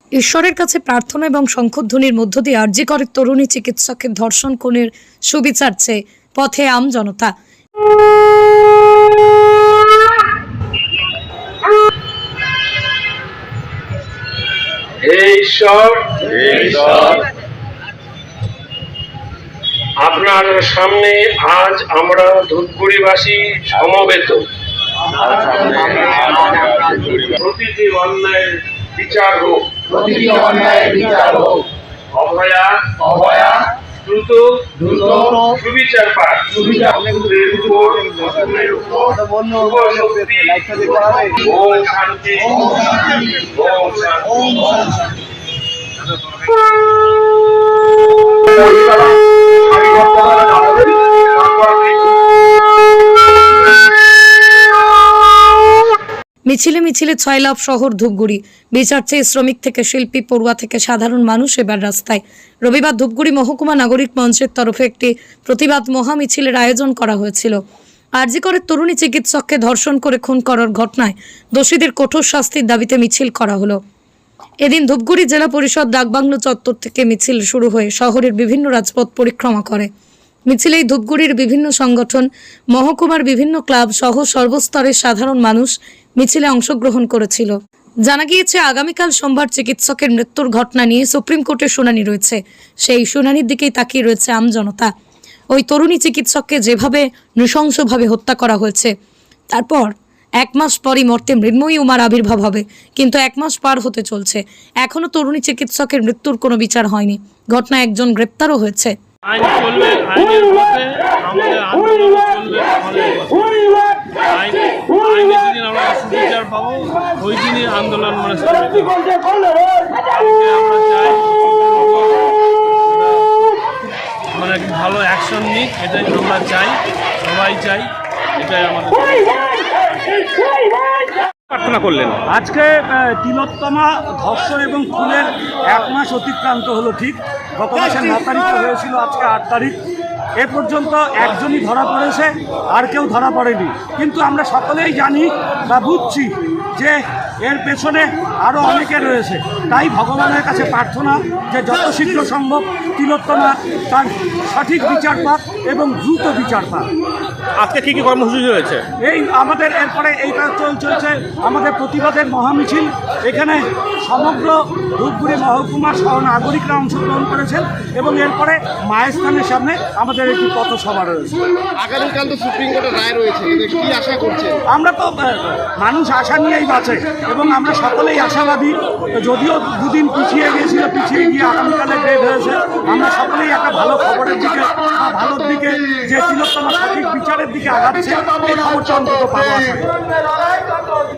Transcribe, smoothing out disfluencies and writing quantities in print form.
ঈশ্বরের কাছে প্রার্থনা এবং শঙ্খধ্বনির মধ্য দিয়ে আরজি করের তরুণী চিকিৎসকের ধর্ষণ খুনের সুবিচার চেয়ে পথে আম জনতা। ঈশ্বর আপনার সামনে আজ আমরা ধূপগুড়িবাসী সমবেত। প্রতিটি অন্যায়ের বিচার হোক, অভয়া দ্রুত সুবিচার পাক। ওম শান্তি, ওম শান্তি। মিছিলে মিছিলে ছয়লাভ শহর ধূপগুড়ি। বিচার চেয়ে শ্রমিক থেকে শিল্পী, পড়ুয়া থেকে সাধারণ মানুষ এবার রাস্তায়। রবিবার ধূপগুড়ি মহকুমা নাগরিক মঞ্চের তরফে একটি প্রতিবাদ মহা মিছিলের আয়োজন করা হয়েছিল। আরজি করের তরুণী চিকিৎসককে ধর্ষণ করে খুন করার ঘটনায় দোষীদের কঠোর শাস্তির দাবিতে মিছিল করা হলো। এদিন ধূপগুড়ি জেলা পরিষদ ডাকবাংলো চত্বর থেকে মিছিল শুরু হয়ে শহরের বিভিন্ন রাজপথ পরিক্রমা করে। মিছিলেই ধূপগুড়ির বিভিন্ন সংগঠন, মহকুমার বিভিন্ন ক্লাব সহ সর্বস্তরের সাধারণ মানুষ মিছিলে অংশগ্রহণ করেছিল। জানা গিয়েছে আগামীকাল সোমবার চিকিৎসকের মৃত্যুর ঘটনা নিয়ে সুপ্রিম কোর্টে শুনানি রয়েছে। সেই শুনানির দিকেই তাকিয়ে রয়েছে আমজনতা। ওই তরুণী চিকিৎসককে যেভাবে নৃশংসভাবে হত্যা করা হয়েছে, তারপর 1 মাস পরই মর্তে মৃন্ময়ী উমার আবির্ভাব হবে, কিন্তু 1 মাস পার হতে চলছে, এখনো তরুণী চিকিৎসকের মৃত্যুর কোনো বিচার হয়নি। ঘটনায় একজন গ্রেপ্তারও হয়েছে। আইন চলবে, আইনের পথে আমাদের আন্দোলন চলবে। আইনে যেদিন আমরা সুবিচার পাবো ওই দিনই আন্দোলন আমরা চাই ভালো অ্যাকশন নিক, এটাই আমরা চাই, সবাই চাই, এটাই আমাদের প্রার্থনা করলেন। আজকে তিলোত্তমা ধর্ষণ এবং খুনের 1 মাস অতিক্রান্ত হলো। ঠিক গত মাসের 9 তারিখে হয়েছিল, আজকে 8 তারিখ। এ পর্যন্ত একজনই ধরা পড়েছে, আর কেউ ধরা পড়েনি। কিন্তু আমরা সকলেই জানি বা বুঝছি যে এর পেছনে আরও অনেকে রয়েছে। তাই ভগবানের কাছে প্রার্থনা যে যত শীঘ্র সম্ভব তিলোত্তমা তার সঠিক বিচার পাক এবং দ্রুত বিচার পাক। আজকে কী কী কর্মসূচি রয়েছে? এই আমাদের এরপরে এইটা চলছে আমাদের প্রতিবাদের মহামিছিল। এখানে সমগ্র ধূপগুড়ি মহকুমার সহ নাগরিকরা অংশগ্রহণ করেছেন এবং এরপরে মায়ের স্থানের সামনে আমাদের একটি পথসভা রয়েছে। আগামীকাল তো সুপ্রিম কোর্টের রায় রয়েছে, কি আশা করছেন? আমরা তো মানুষ আশা নিয়েই বাঁচে এবং আমরা সকলেই আশাবাদী। যদিও 2 দিন পিছিয়ে গিয়েছিল, পিছিয়ে গিয়ে আগামীকালে ডেট হয়েছে। আমরা সকলেই একটা ভালো খবরের দিকে বা ভালোর দিকে, যে তিলোত্তমা সঠিক বিচারের দিকে আগাচ্ছে, এই খবরটা অন্তত পাবো আশা করি।